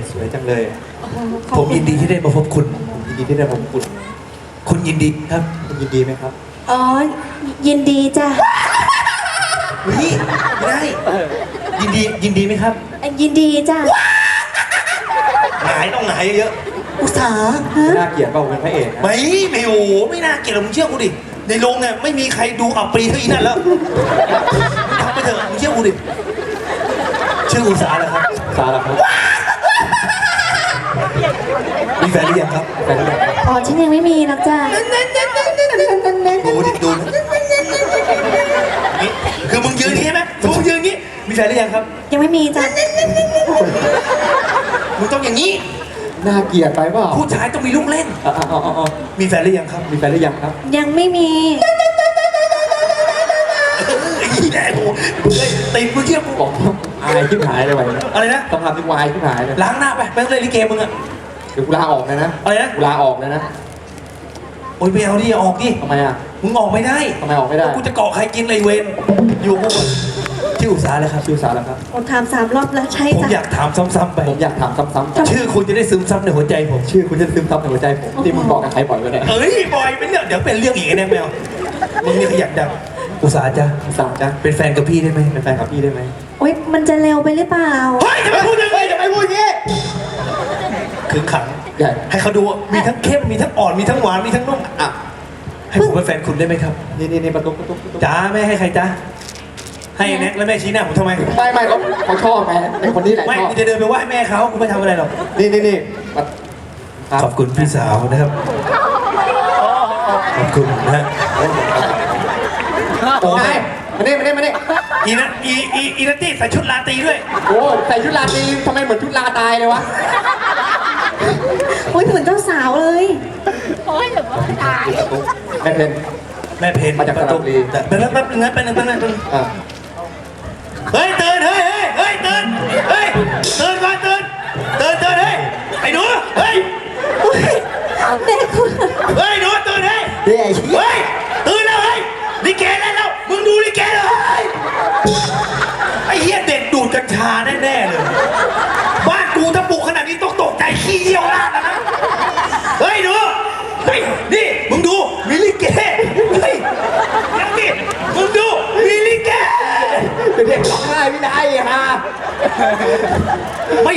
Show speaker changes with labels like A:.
A: สวยจังเลย
B: ผมยินดีที่ได้มาพบคุณ
A: ยินดีที่ได้พบคุณ
B: คุณยินดีครับ
A: คุณยินดีไหมครับ
C: อ๋อ ยินดีจ้ะ
B: นี่ไม่ได้ยินดีไหมครับ
C: ยินดีจ้ะ
B: หงายต้องหงายเยอะ
D: อุตสาห์
A: น่าเกลียดเปล่าเป็นพระเอก
B: ๆ
A: นะ
B: ไม่โอ้ไม่น่าเกลียดหรอกมึงเชื่อกูดิในโรงเนี่ยไม่มีใครดูอับปรีเท่าอีนั่นแล้วทำไปเถอะมึงเชื่อกูดิชื่ออุตสาหะครับ
A: สาระครับ
B: มีแฟนหรือยังครับ
A: แฟนหรือยังครับ
C: อ๋อ ฉันยังไม่มีหรอกจ้ะ
B: ดูดิดูนะนี่คือมึงยืนอย่างนี้ใช่ไหมมึงยืนอย่างนี้มีแฟนหรือยังครับ
C: ยังไม่มีจ้ะ
B: มึงต้องอย่างนี้
A: น่าเกลียดไปเปล่า
B: ผู้ชายต้องมีลูกเล่น
A: อ๋อ
B: มีแฟนหรือยังครับ
A: มีแฟนหรือยังครับ
C: ยังไม่มี
B: ไอ้แหน่โอ้เฮ้ยตีมึงเชื่อกู
A: บอกอายชิบหายเลยไว้
B: อะไรนะ
A: ต้องทำที่วายชิบหายเลย
B: ล้างหน้าไปไปเล่นลิเกมึงอะ
A: เดี๋ยวกูลาออกเลยนะ
B: อะไรนะ
A: กูลาออกเลยนะ
B: โอ้ยไปเอาดิออกดิ
A: ทำไมอ่ะ
B: มึงออกไม่ได้
A: ทำไมออกไม่ได้
B: กูจะเกาะใครกินเลยเวนอยู่พวกมึงชื่ออุตสาหะเลยครับ
A: ชื่อสาระครับ
C: โอ้ถาม3 รอบแล้วใช่
B: ผม
C: จ้ะ
B: อยากถามซ้ำๆไป
A: ผมอยากถามซ้ำๆ
B: ชื่อคุณจะได้ซึมซับในหัวใจผม
A: ชื่อคุณจะซึมซับในหัวใจผมที่มึงบอกกับใครบ่อยกันเนี่ย
B: เอ้ยบอยเป็นเรื่องเดี๋ยวเป็นเรื่องอีกไอ้แน่แมวมึงนี่ขยันดังอุตสาหะจ้ะ
A: สามจ้ะ
B: เป็นแฟนกับพี่ได้ไหม
A: เป็นแฟนกับพี่ได้ไหม
C: โอ๊ย มันจะเร็วไปหรือเปล่า
B: เฮ้ยจะไปพูดยังไงจะไปพูดอย่างงี้ขึงขัง
A: ใหญ่
B: ให้เขาดูว่ามีทั้งเข้มมีทั้งอ่อนมีทั้งหวานมีทั้งนุ่ม
A: อ่ะ
B: ให้ผมเป็นแฟนคุณได้ไหมครับ
A: นี่ประตู
B: จ้าแม่ให้ใครจ้าให้แน็กแล้วแม่ชี้หน้าผมทำไม
A: ไม่เขาชอบไงไอ้คนนี้แหละ
B: ไม่
A: ชอบ
B: กูจะเดินไปไหว้แม่เขากูไม่ทำอะไรหรอก
A: นี่
B: ขอบคุณพี่สาวนะครับขอบคุณนะฮะ
A: โอ้ยมานี่
B: อีนัตตี้ใส่ชุดลาตรีด้วย
A: โอ้ใส่ชุดลาตรีทำไมเหมือนชุดลาตายเลยวะ
C: โอ๊ยเหมือนเจ้าสาวเลย
A: แม่เพน
B: แม่เพน
A: มาจากสระบุรี
B: แต่แป๊บนึงนะแป๊บนึง
A: อ่ะ
B: เฮ้ยตื่นเฮ้ยตื่นเฮ้ยตื่นก่อนตื่นเฮ้ยไอ้หนูเฮ้ย
C: เด็กคุณ
B: เฮ้ยหนูตื่นเฮ้ย
A: เฮ้ย
B: เฮ้ยตื่นแล้วเฮ้ยลิเกเล่นแล้วมึงดูลิเกเลยไอ้เหี้ยเด็กดูดกัญชาแน่ๆเลยบ้านกูถ้าปลูกขนาดนี้ต้องตกใจขี้เยี่ยวราดนะเฮ้ยหนูเฮ้ยนี่มึงดูมีลิเกเฮ้ยนี่มึงดูมีลิเก
A: เด็กร้องไห้ไม่ได้ฮะ
B: ไม่